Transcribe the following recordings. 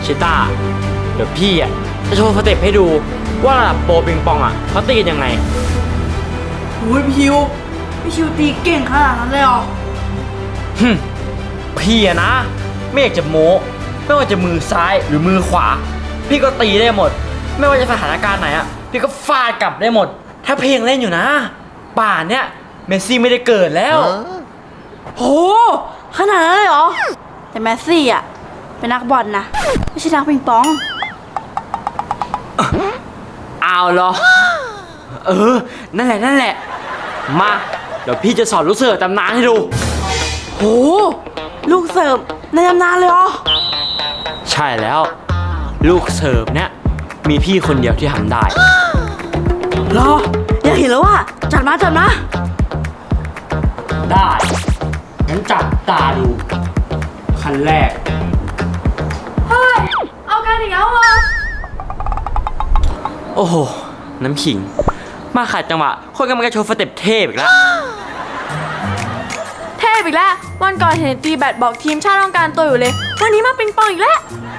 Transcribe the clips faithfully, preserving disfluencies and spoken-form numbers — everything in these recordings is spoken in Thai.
ชิต้าเดี๋ยวพี่อ่ะจะโชว์สเต็ปให้ดูว่าระดับโปรปิงปองอ่ะเขาตีกันยังไงโอ้ยพี่ชิวพี่ชิวตีเก่งขนาดนั้นเลยเหรอฮึพี่อะนะไม่อยากจะโม้ไม่ว่าจะมือซ้ายหรือมือขวาพี่ก็ตีได้หมดไม่ว่าจะสถานการณ์ไหนอ่ะพี่ก็ฟาดกลับได้หมดถ้าเพลงเล่นอยู่นะป่านเนี้ยเมสซี่ไม่ได้เกิดแล้วโหขนาดนั้นเลยเหรอแต่เมสซี่อ่ะเป็นนักบอลนะไม่ใช่นักปิงปองเอาเหรอเออนั่นแหละนั่นแหละมาเดี๋ยวพี่จะสอนลูกเสิร์ฟตำนานให้ดูโหลูกเสิร์ฟในตำนานเลยเหรอใช่แล้วลูกเสิร์ฟเนี้ยมีพี่คนเดียวที่ทำได้เหรออยากเห็นแล้วว่าจัดมาจัดมาได้งั้นจับตาดูขั้นแรกเฮ้ยเอากันอีกแล้วเหรอโอ้โหน้ำขิงมาขัดจังหวะคนกำลังจะโชว์สเต็ปเทพอีกแล้วเทพอีกแล้ววันก่อนเห็นตีแบดบอกทีมชาติต้องการตัวอยู่เลยวันนี้มาปิงปองอีกแล้ว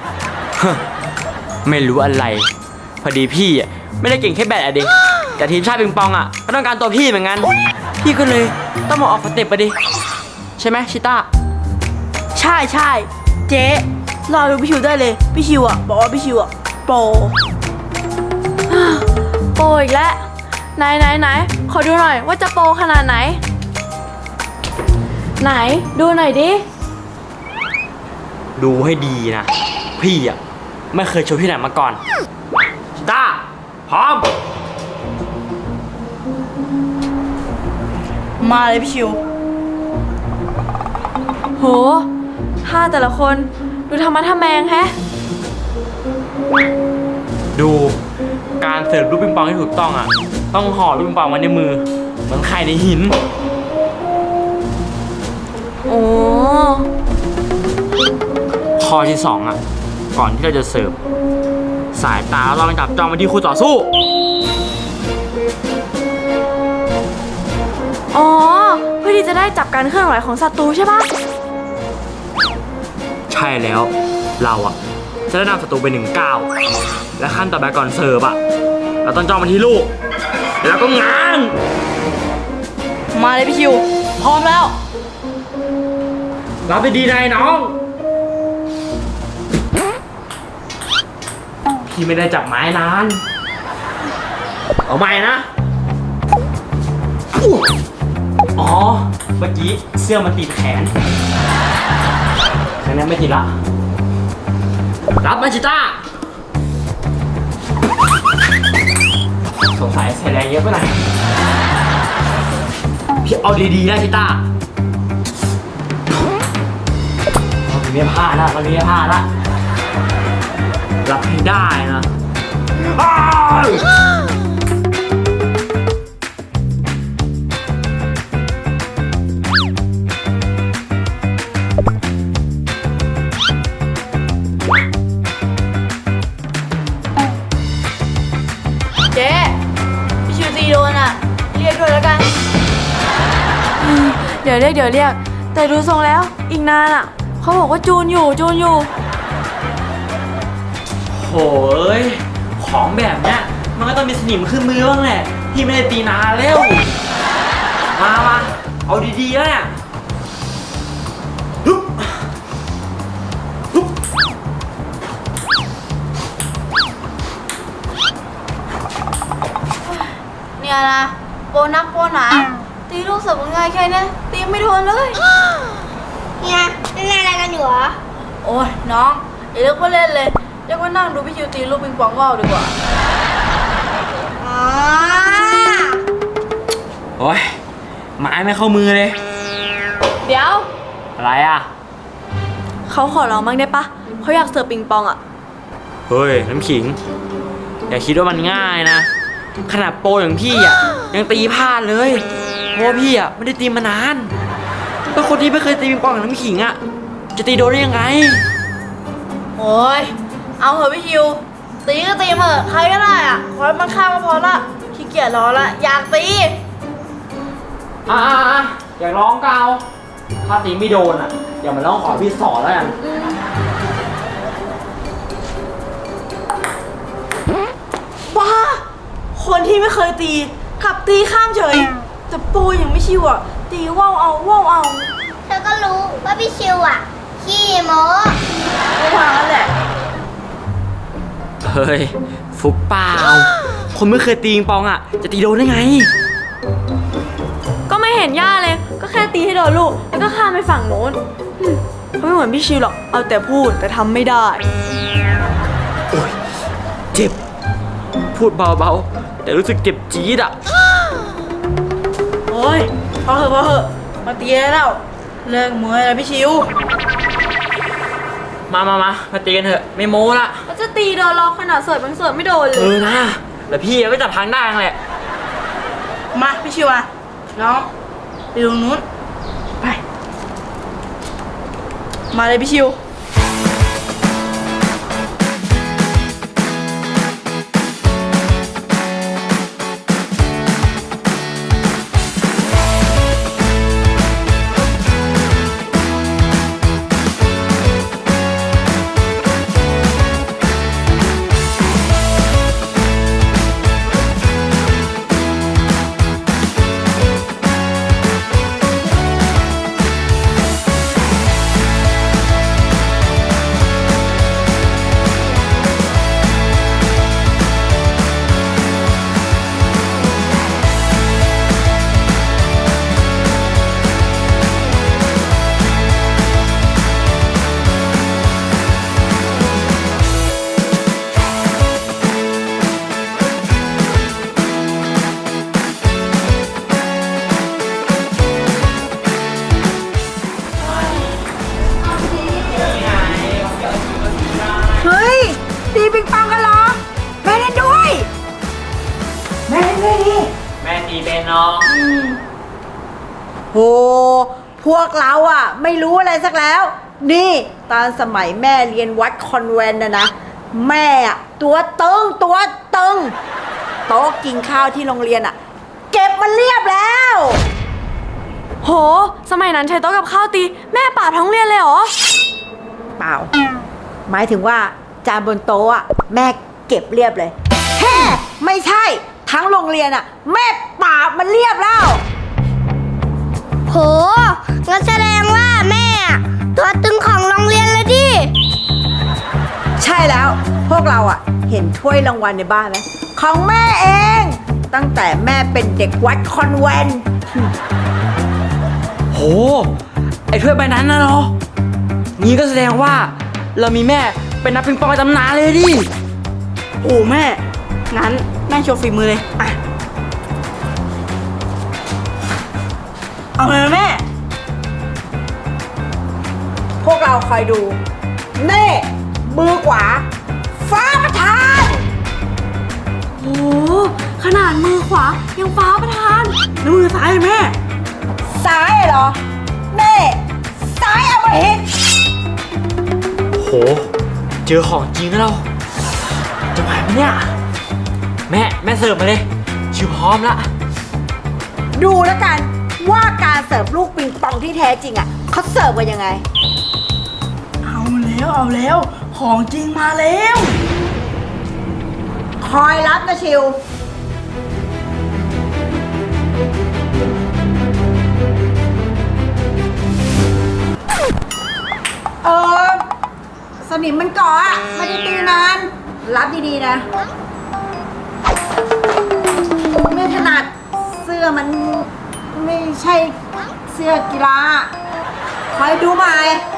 ไม่รู้อะไรพอดีพี่อ่ะไม่ได้เก่งแค่แบดอะดิแต่ทีมชาติปิงปองอ่ะก็ต้องการตัวพี่เหมือนกันพี่ก็เลยต้องมาออกสเต็ปอะดิใช่ไหมชิต้าใช่ใช่เจ๊รอดูพี่ชิวได้เลยพี่ชิวอ่ะบอกว่าพี่ชิวอ่ะโปรโปรอีกแล้วไหนไหนไหนขอดูหน่อยว่าจะโปรขนาดไหนไหนดูหน่อยดิดูให้ดีนะพี่อ่ะไม่เคยโชว์ที่ไหนมาก่อนชิต้าพร้อมมาเลยพี่ชิวโหท่าแต่ละคนดูธรรมะทะแมงแฮะดูการเสิร์ฟลูกปิงปองที่ถูกต้องอ่ะต้องห่อลูกปิงปองไว้ในมือเหมือนไข่ในหินโอ้ข้อที่สองอ่ะก่อนที่เราจะเสิร์ฟสายตาเราต้องจับจ้องไปที่คู่ต่อสู้อ๋อเพื่อที่จะได้จับการเคลื่อนไหวของศัตรูใช่ปะใช่แล้วเราอ่ะจะได้นำศัตรูไปหนึ่งก้าวและขั้นต่อไปก่อนเสิร์ฟอ่ะเราต้องจ้องไปที่ลูกแล้วก็ง้างมาเลยพี่ชิวพร้อมแล้วรับไปดีนายน้องพี่ไม่ได้จับไม้นานเอาใหม่นะอ๋อเมื่อกี้เสื้อมันติดแขนแค่นั้นไม่ติดละรับมาชิต้าสงสัยใส่แรงเยอะไปหน่อยพี่เอาดีๆนะชิต้าเราไม่พลาดละเราไม่พลาดละรับให้ได้นะเจ๊พี่ชิวตีโดนอ่ะเรียกด้วยแล้วกันเดี๋ยวเรียกเดี๋ยวเรียกแต่ดูทรงแล้วอีกนานอ่ะเขาบอกว่าจูนอยู่จูนอยู่โอ้ยของแบบเนี้ยมันก็ต้องมีสนิมขึ้นมือบ้างแหละพี่ไม่ได้ตีนานแล้วมามาเอาดีๆแล้วเนี่ยเนี่ยนะโปนักโปหนาตีลูกเสิร์ฟง่ายแค่นี้ตีไม่โดนเลยเนี่ยเล่นอะไรกันอยู่เหรอโอ้ยน้องอย่าเลิกว่าเล่นเลยเรียกว่านั่งดูพี่ชิวตีลูกปิงปองว่าวดีกว่าอ๋อโอ้ยไม้ไม่เข้ามือเลยเดี๋ยวอะไรอ่ะเขาขอร้องบ้างได้ปะเขาอยากเสิร์ฟปิงปองอ่ะเฮ้ยน้ำขิงอย่าคิดว่ามันง่ายนะขนาดโปรอย่างพี่อ่ะยังตีพลาดเลยเพราะว่าพี่อ่ะไม่ได้ตีมานานแล้วคนที่ไม่เคยตีปิงปองอย่างน้ำขิงอ่ะจะตีโดนได้ยังไงโอ้ยเอาเถอะพี่ชิวตีก็ตีมาเถอะใครก็ได้อ่ะขอให้มันข้ามมาพอละขี้เกียจรอละอยากตีอ่าอยากร้องเกาถ้าตีไม่โดนอ่ะอย่ามาร้องขอพี่สอนแล้วกันฮะคนที่ไม่เคยตีกลับตีข้ามเฉย แต่โปรยังไม่ชิวอ่ะ ตีว่าวเอาว่าวเอาเธอก็รู้ว่าพี่ชิวอ่ะ ขี้โม้ไม่ทางนั้นแหละเฮ้ย ฟุกเปล่า คนไม่เคยตีปิงปองอ่ะ จะตีโดนได้ไงก็ไม่เห็นย่าเลย ก็แค่ตีให้โดนลูก แล้วก็ข้ามไปฝั่งโน้นอืมเขาไม่เหมือนพี่ชิวหรอก เอาแต่พูดแต่ทำไม่ได้โอ้ย เจ็บ พูดเบาๆ แต่รู้สึกเจ็บจี๊ดอ่ะโอ้ยพอเหอะพอเหอะมาตีได้แล้ว เลิกมวยแล้วพี่ชิวมามามามาตีกันเถอะ ไม่โม้ละก็จะตีโดนล็อกขนาดเสิร์ฟยังเสิร์ฟไม่โดนเลเอย อนะแล้วพี่ก็จับทางได้แหละมาพี่ชิวอะน้องไปตรงนู้น ไป มาเลยพี่ชิวเฮ้ยตีปิงปองกันเหรอแม่เล่นด้วย แม่เล่นด้วยดิแม่ตีเป็นน้องโหพวกเราอะไม่รู้อะไรสักแล้ว นี่ตอนสมัยแม่เรียนวัดคอนแวนต์นะนะแม่อะตัวตึงตัวตึงโต๊ะกินข้าวที่โรงเรียนอะเก็บมันเรียบแล้วโห สมัยนั้นใช้โต๊ะกับข้าวตี แม่ป่าบทั้งเรียนเลยเหรอเปล่า หมายถึงว่าจานบนโต๊ะอะแม่เก็บเรียบเลยแฮ่ไม่ใช่ทั้งโรงเรียนอะแม่ปราบมันเรียบแล้วโหงั้นแสดงว่าแม่อะตัวตึงของโรงเรียนเลยดิใช่แล้วพวกเราอะเห็นถ้วยรางวัลในบ้านไหมของแม่เอง ตั้งแต่แม่เป็นเด็กวัดคอนแวนต์โห ไอ้ถ้วยใบนั้นนะเหรอ นี่ก็แสดงว่า เรามีแม่เป็นนักปิงปองในตำนานเลยดิโอ้แม่ งั้นแม่โชว์ฝีมือเลยอ่ะเอาเลยนะแม่พวกเราคอยดูเน่มือขวา ฟ้าประธานโอ้ขนาดมือขวา ยังฟ้าประทานแล้วมือซ้ายอะแม่ซ้ายเหรอ เน่ ซ้ายอมหิตโห เจอของจริงแล้วเรา จะไหวไหมเนี่ย แม่ แม่เสิร์ฟมาเลย ชิวพร้อมละดูแล้วกันว่าการเสิร์ฟลูกปิงปองที่แท้จริงอ่ะเขาเสิร์ฟกันยังไงเอาแล้วเอาแล้ว ของจริงมาแล้วคอยรับนะชิว เออสนิมมันเกาะอะไม่ได้ตีนาน รับดีๆนะ ไม่ถนัดเสื้อมันไม่ใช่เสื้อกีฬาคอยดูใหม่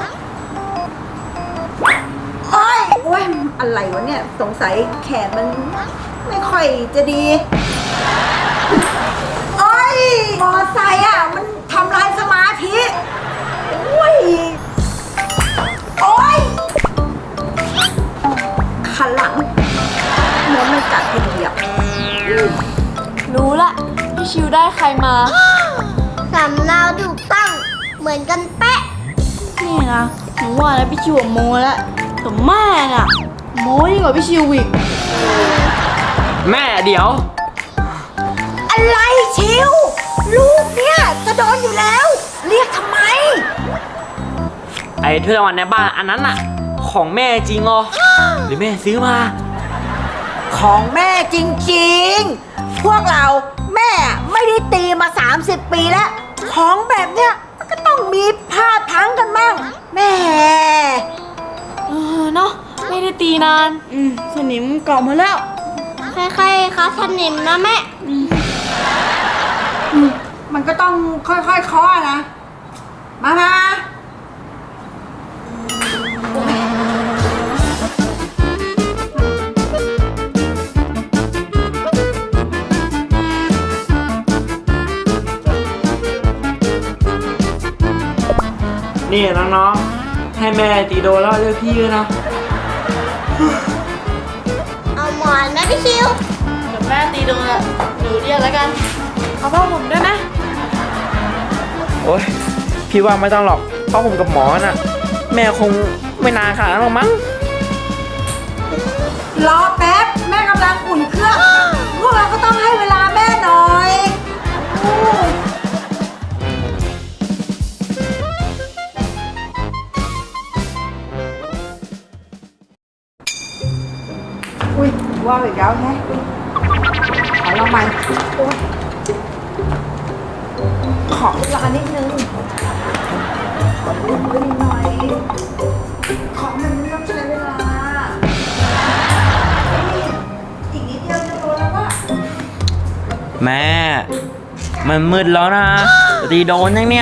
โอ้ยโอ้ยอะไรวะเนี่ย สงสัยแขนมันไม่ค่อยจะดี โอ้ยมอไซค์อ่ะ มันทำลายสมาธิโอ้ย โอ้ยขันหลังเหมือนมันกัดทีเดียวรู้ละพี่ชิวได้ใครมาสำเนาถูกต้องเหมือนกันเป๊ะนี่นะหนูว่าแล้วพี่ชิวอะโมแล้วแต่แม่น่ะโมยิ่งกว่าพี่ชิวอีกแม่เดี๋ยวอะไรชิว ลูกเนี่ยจะโดนอยู่แล้ว เรียกทำไมไอ้ถ้วยรางวัลในบ้านอันนั้นน่ะ ของแม่จริงเหรอ หรือแม่ซื้อมาของแม่จริงๆ พวกเราแม่ไม่ได้ตีมา สามสิบ ปีแล้ว ของแบบเนี้ยมันก็ต้องมีพลาดพลั้งกันบ้างแม่เออเนาะไม่ได้ตีนาน อืมสนิมเกาะหมาแล้วใครๆคะสนิมนะแม่อืมมันก็ต้องค่อยๆเคาะนะ มามานี่น้องๆ ให้แม่ตีโดนแล้วเรียกพี่ด้วยนะเอาหมอนไหมพี่ชิวเดี๋ยวแม่ตีโดนอะหนูเรียกแล้วกันเอาพ่อผมด้วยไหมโอ๊ย พี่ว่าไม่ต้องหรอก เพราะผมกับหมอน่ะ แม่คงไม่นานขนาดนั้นหรอกมั้งรอแป๊บ แม่กำลังอุ่นเครื่อง พวกเราก็ต้องให้เวลาแม่หน่อยอู้อุ้ยว่าวอีกแล้วแฮะขอลองใหม่โอ๊ยขอเวลานิดนึง ขอลุ้นไปนิดหน่อย ของมันต้องใช้เวลา อีกนิดเดียวจะโดนแล้วว่ะแม่ มันมืดแล้วนะ ตีโดนยังเนี่ย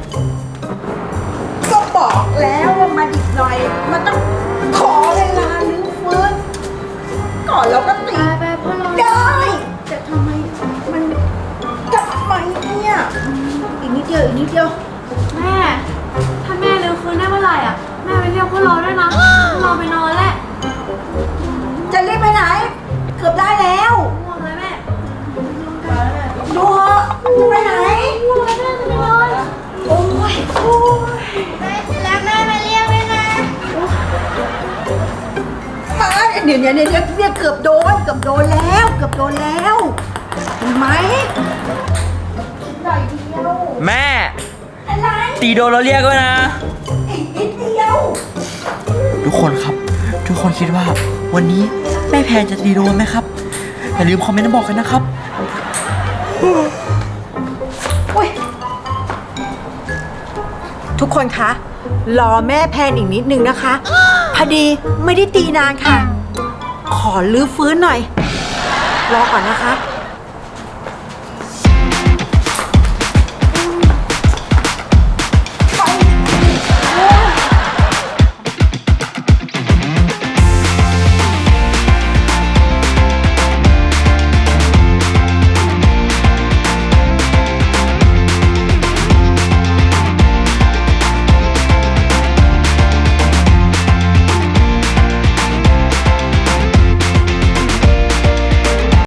ก็บอกแล้วว่ามาอีกหน่อย มันต้องขอเวลาลื้อฟื้น ก่อนเราก็ตีไปๆพ่อรอได้ แต่ทำไมมันทำไมเนี่ย อีกนิดเดียว อีกนิดเดียวแม่ ถ้าแม่เร็วคืนได้เมื่อไหร่อ่ะ แม่ไปเรียกพวกเราด้วยนะพวกเราไปนอนแล้วจะรีบไปไหน เกือบได้แล้วง่วงแล้วแม่ดูเหอะจะไปไหนง่วงแล้วแม่จะไปนอนโอ้ยโอ้ยแล้วแม่มาเรียกด้วยนะมาเดี๋ยวเดี๋ยวเดี๋ยวเนี่ยเกือบโดน เกือบโดนแล้ว เกือบโดนแล้วเห็นไหมอีกหน่อยเดียวแม่อะไรตีโดนเราเรียกด้วยนะอีกนิดเดียวทุกคนครับ ทุกคนคิดว่า วันนี้แม่แพนจะตีโดนไหมครับ อย่าลืมคอมเมนต์มาบอกกันนะครับอุ๊ยทุกคนคะ รอแม่แพนอีกนิดนึงนะคะ พอดีไม่ได้ตีนานค่ะ ขอลื้อฟื้นหน่อย รอก่อนนะคะ